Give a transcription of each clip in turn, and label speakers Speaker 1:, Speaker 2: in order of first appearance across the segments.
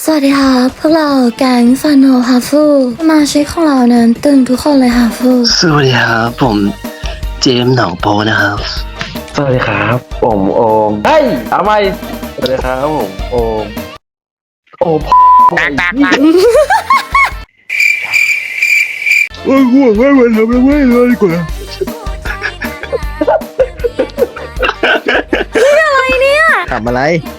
Speaker 1: วัสดีค่ะพวกเราแก๊งฟาโนฮาฟูสมาชิกของเรานั้นตึงทุกคนเลยฮาฟู
Speaker 2: สวัสดีครับผมเจมส์หนองโพนะครับ
Speaker 3: สวัสดีครับผมโอมเฮ้ยทำไมสวัสดีครับผมโอม
Speaker 4: ตัก
Speaker 3: ง่วงไม่ไหวทำแล้วไม่เลยดีกว่า
Speaker 4: ทำอะไร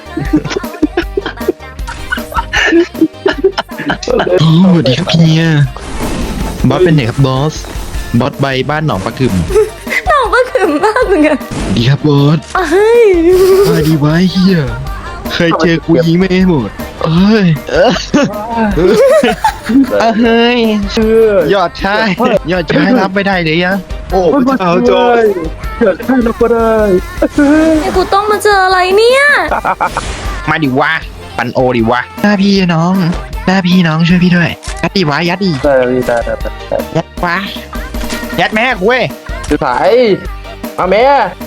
Speaker 5: สวัสดีครับเฮียบอสเป็นไหนครับบอสใบบ้านหนองปลากึ่ม
Speaker 1: น้องก็ขึมมากเหมือนกัน
Speaker 5: ดีครับบอส
Speaker 1: เฮ้ย
Speaker 5: มาดีไว้เฮียเคยเจอกูยิงไม่ให้หมดเอ้ยเฮ้ยยอดชายรับไม่ได้เลยยังโอ้พระเจ้าจอย
Speaker 3: เกิดให้เราก็ได้
Speaker 1: ไอ้กูต้องมาเจออะไรเนี่ย
Speaker 5: มาดิวะปันโอดิวะหน้าพี่น้องช่วยพี่ด้วยยัดดิวะยัดดิ
Speaker 3: ได้ได้
Speaker 5: ยัดวะยัดแม่กูเว้ย
Speaker 3: สุดท้ายมาแม่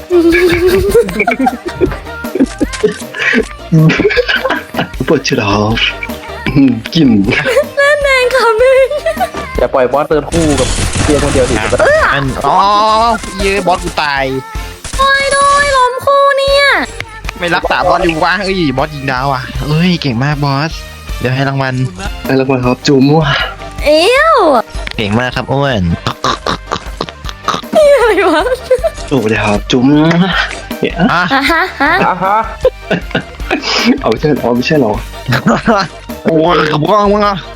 Speaker 2: ปวดชิลล์กลิ่น
Speaker 1: แมงค่ะมึง
Speaker 3: อย่าปล่อยบอสเดินคู่กับเพียงคนเดียวดิ
Speaker 5: อันเย้บอสกูตาย
Speaker 1: โอ้ยโดยล้มคู่เนี่ย
Speaker 5: ไม่รักษาบอสดิวะเอ้ยบอสยิงดาวอ่ะเอ้ยเก่งมากบอสเดี๋ยวให้รางวัล
Speaker 2: แล้วก็ครับจุ๋มว่ะ
Speaker 1: เอ้ว
Speaker 5: เก่งมากครับอ้วน
Speaker 1: นี่อะไรวะ
Speaker 2: สวัสดีครับจุ๋มเนี่ย
Speaker 5: อ่ะ
Speaker 1: ฮะ
Speaker 3: อ่ะฮะ
Speaker 2: เอาไม่ใช่หรอไม่ใช่หรอ
Speaker 5: โอ้ยขับว่างมั้งอ่ะ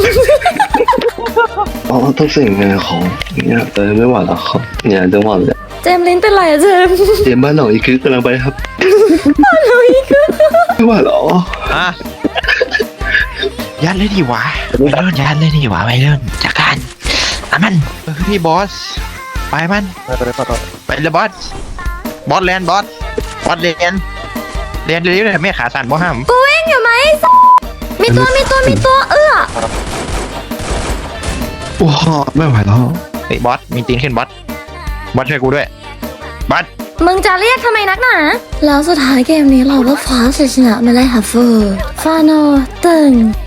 Speaker 2: อ๋อต้องเสียงเงินของเนี่ยไม่ไหวแล้วครับเนี่ยจังหวะเลย
Speaker 1: เจมส์ลิ้นเป็นไรอะเจมส์
Speaker 2: เจมส์บ้านหนองอีกคือกำลังไปครับ
Speaker 1: เราอีกคือ
Speaker 2: ไม่ไหวหรอ
Speaker 5: อ่ะยัดเลยดิวะไปเริ่มยัดเลยดิวะไปเริ่มจากการมันพี่บอสไปมันไปเลยบอสแลนบอสเรียนเร็วๆไม่ขาสั่นบ่ห้าม
Speaker 1: กูวิ่งอยู่ไหมมีตัวเอื้อ
Speaker 2: โอ้ไม่ไหวแล้ว
Speaker 5: เฮ้ยบอสมีตีนขึ้นบอสช่วยกูด้วยบอส
Speaker 1: มึงจะเรียกทำไมนักหนาแล้วสุดท้ายเกมนี้เราก็คว้าชัยชนะมาได้ค่ะฟูฟาโนตึง